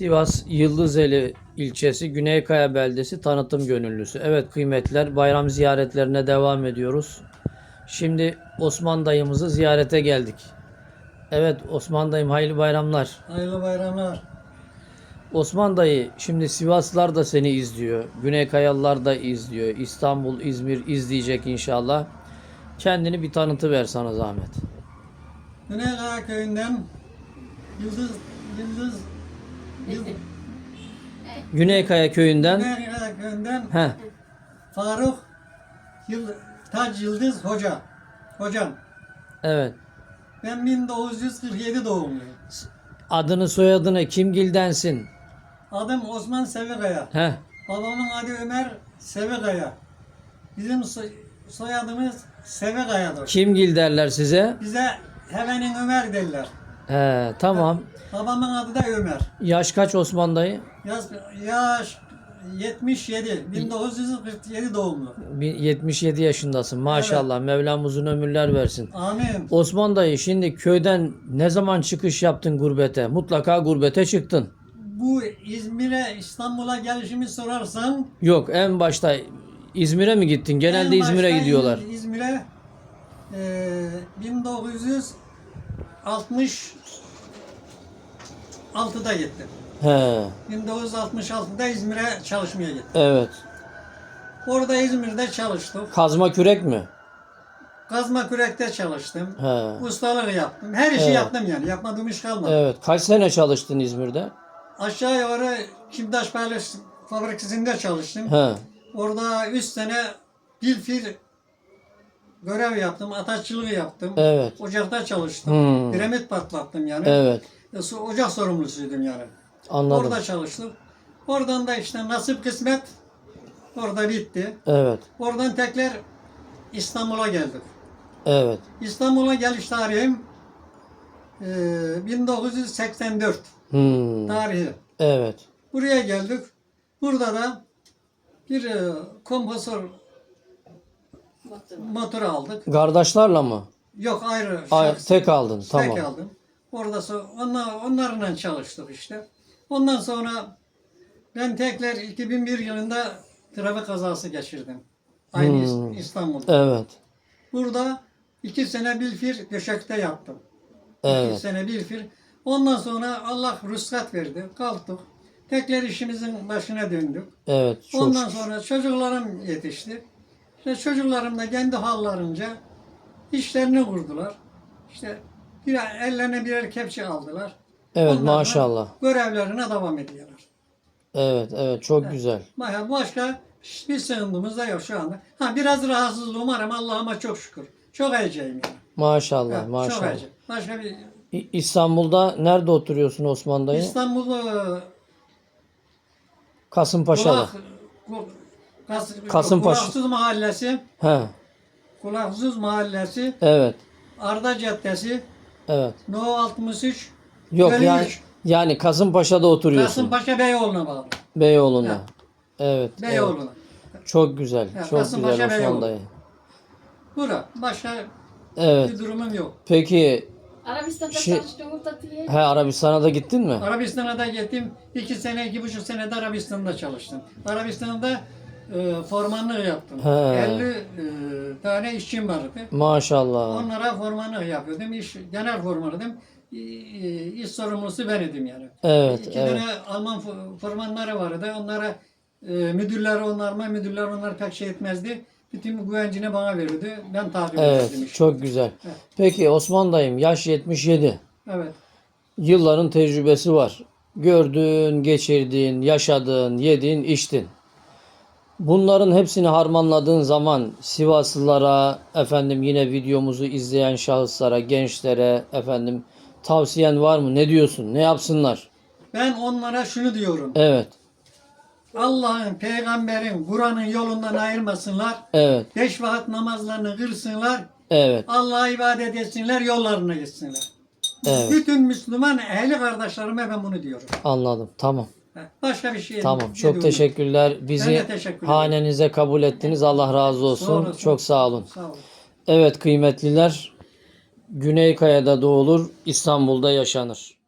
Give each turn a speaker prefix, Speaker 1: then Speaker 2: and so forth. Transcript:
Speaker 1: Sivas Yıldızeli ilçesi Güneykaya beldesi tanıtım gönüllüsü. Evet kıymetliler, bayram ziyaretlerine devam ediyoruz. Şimdi Osman dayımızı ziyarete geldik. Evet Osman dayım, hayırlı bayramlar.
Speaker 2: Hayırlı bayramlar.
Speaker 1: Osman dayı, şimdi Sivaslılar da seni izliyor. Güneykayalılar da izliyor. İstanbul, İzmir izleyecek inşallah. Kendini bir tanıtıver sana zahmet.
Speaker 2: Güneykaya köyünden Yıldız
Speaker 1: Güneykaya köyünden
Speaker 2: Güneykaya köyünden
Speaker 1: Heh,
Speaker 2: Faruk Tac Yıldız hocam.
Speaker 1: evet.
Speaker 2: Ben 1947 doğumluyum.
Speaker 1: Adını soyadını kimgildensin?
Speaker 2: Adım Osman Sevikaya.
Speaker 1: Heh,
Speaker 2: Babamın adı Ömer Sevikaya. Bizim soyadımız Sevikaya'dır.
Speaker 1: kimgil derler size?
Speaker 2: Bize Hevenin Ömer derler.
Speaker 1: He, tamam.
Speaker 2: Babamın adı da Ömer.
Speaker 1: Yaş kaç Osman dayı?
Speaker 2: Yaş 77. 1947 doğumlu.
Speaker 1: 77 yaşındasın. Maşallah. Mevlam uzun ömürler versin.
Speaker 2: Amin.
Speaker 1: Osman dayı, şimdi köyden ne zaman çıkış yaptın gurbete? Mutlaka gurbete çıktın.
Speaker 2: Bu İzmir'e, İstanbul'a gelişimi sorarsan
Speaker 1: Yok, en başta İzmir'e mi gittin? Genelde
Speaker 2: en
Speaker 1: İzmir'e
Speaker 2: başta
Speaker 1: gidiyorlar.
Speaker 2: İzmir'e 1966'da gittim.
Speaker 1: He,
Speaker 2: 1966'da İzmir'e çalışmaya gittim.
Speaker 1: evet.
Speaker 2: Orada İzmir'de çalıştık.
Speaker 1: Kazma kürek mi?
Speaker 2: Kazma kürekte çalıştım.
Speaker 1: He.
Speaker 2: Ustalık yaptım. Her işi
Speaker 1: Evet.
Speaker 2: yaptım yani. Yapmadığım iş kalmadı.
Speaker 1: Evet. Kaç sene çalıştın İzmir'de?
Speaker 2: Aşağı yukarı Kimdaş Paylaş Fabrikası'nda çalıştım.
Speaker 1: He.
Speaker 2: Orada 3 sene bilfil görev yaptım, ataççılığı yaptım.
Speaker 1: Evet.
Speaker 2: Ocakta çalıştım.
Speaker 1: Hmm.
Speaker 2: Kiremit patlattım yani.
Speaker 1: Evet.
Speaker 2: Ocak sorumlusuydum yani.
Speaker 1: Anladım.
Speaker 2: Orada çalıştık. Oradan da işte nasip kısmet orada bitti.
Speaker 1: Evet.
Speaker 2: Oradan tekrar İstanbul'a geldik.
Speaker 1: Evet.
Speaker 2: İstanbul'a geliş tarihim 1984
Speaker 1: Hmm.
Speaker 2: tarihi.
Speaker 1: Evet.
Speaker 2: Buraya geldik. Burada da bir kompresör motor aldık.
Speaker 1: Kardeşlerle mı?
Speaker 2: Yok ayrı. şahsi.
Speaker 1: Tek aldın. Tamam.
Speaker 2: Tek aldım. Orada onlarla çalıştık işte. Ondan sonra ben tekrar 2001 yılında trafik kazası geçirdim. Aynı İstanbul'da.
Speaker 1: Evet.
Speaker 2: Burada 2 sene bilfir döşekte yattım. 2
Speaker 1: Evet.
Speaker 2: sene bilfir. Ondan sonra Allah ruhsat verdi. Kalktık. Tekrar işimizin başına döndük.
Speaker 1: Evet. Çok
Speaker 2: Ondan
Speaker 1: şükür.
Speaker 2: sonra çocuklarım yetişti. İşte çocuklarım da kendi hallarınca işlerini kurdular. İşte ellerine birer kepçe aldılar.
Speaker 1: Evet,
Speaker 2: Onlarla
Speaker 1: maşallah.
Speaker 2: görevlerine devam ediyorlar.
Speaker 1: Evet. Evet. Çok güzel.
Speaker 2: Başka hiçbir sıkıntımız da yok şu anda. Biraz rahatsızlığım var ama Allah'ıma çok şükür. Çok heyecanlıyım yani.
Speaker 1: Maşallah.
Speaker 2: Çok
Speaker 1: Maşallah.
Speaker 2: heyecan. Başka bir
Speaker 1: İstanbul'da nerede oturuyorsun Osman dayı?
Speaker 2: İstanbul'da
Speaker 1: Kasımpaşa'da. Kasımpaşa.
Speaker 2: Kulaksız Mahallesi,
Speaker 1: He.
Speaker 2: Kulaksız Mahallesi,
Speaker 1: Evet.
Speaker 2: Arda Caddesi,
Speaker 1: Evet.
Speaker 2: No 63,
Speaker 1: Yok
Speaker 2: Bölü
Speaker 1: yani
Speaker 2: 3.
Speaker 1: Kasımpaşa'da oturuyorsun.
Speaker 2: Kasımpaşa Beyoğlu'na bağlı.
Speaker 1: Beyoğlu'nda.
Speaker 2: Ha.
Speaker 1: Evet. Evet.
Speaker 2: Beyoğlu'na.
Speaker 1: Çok güzel.
Speaker 2: Ha,
Speaker 1: Çok
Speaker 2: Kasımpaşa,
Speaker 1: güzel Osman
Speaker 2: Beyoğlu.
Speaker 1: dayı.
Speaker 2: Bura. Başka
Speaker 1: Evet.
Speaker 2: bir durumum yok.
Speaker 1: Peki
Speaker 3: Arabistan'da
Speaker 1: Şey-
Speaker 3: çalıştığımı da diye.
Speaker 1: Arabistan'a da gittin mi?
Speaker 2: Arabistan'a da gittim. 2 sene, 2,5 sene de Arabistan'da çalıştım. Arabistan'da formanlık yaptım.
Speaker 1: He.
Speaker 2: 50 tane işçim vardı.
Speaker 1: Maşallah.
Speaker 2: Onlara formanlık yapıyordum. Genel formanıydım. İş sorumlusu ben idim yani.
Speaker 1: Evet.
Speaker 2: 2
Speaker 1: Evet.
Speaker 2: tane Alman formanları vardı. Onlara müdürler onlar pek şey etmezdi. Bütün güvencini bana verirdi. Ben takip ederdim
Speaker 1: Evet.
Speaker 2: işi.
Speaker 1: Çok güzel.
Speaker 2: Evet.
Speaker 1: Peki Osman dayım, yaş 77.
Speaker 2: Evet.
Speaker 1: Yılların tecrübesi var. Gördün, geçirdin, yaşadın, yedin, içtin. Bunların hepsini harmanladığın zaman Sivaslılara, yine videomuzu izleyen şahıslara, gençlere, tavsiyen var mı? Ne diyorsun? Ne yapsınlar?
Speaker 2: Ben onlara şunu diyorum.
Speaker 1: Evet.
Speaker 2: Allah'ın, peygamberin, Kur'an'ın yolundan ayrılmasınlar.
Speaker 1: Evet.
Speaker 2: 5 vakit namazlarını kılsınlar.
Speaker 1: Evet.
Speaker 2: Allah'a ibadet etsinler, yollarına gitsinler.
Speaker 1: Evet.
Speaker 2: Bütün Müslüman ehli kardeşlerime ben bunu diyorum.
Speaker 1: Anladım. Tamam.
Speaker 2: Başka bir şey
Speaker 1: Tamam.
Speaker 2: demiyorum.
Speaker 1: Çok teşekkürler.
Speaker 2: Ben
Speaker 1: Bizi
Speaker 2: de teşekkür ederim.
Speaker 1: hanenize kabul ettiniz. Allah razı olsun.
Speaker 2: Sağ olasın.
Speaker 1: Çok sağ olun.
Speaker 2: Sağ olun.
Speaker 1: Evet kıymetliler. Güneykaya'da doğulur, İstanbul'da yaşanır.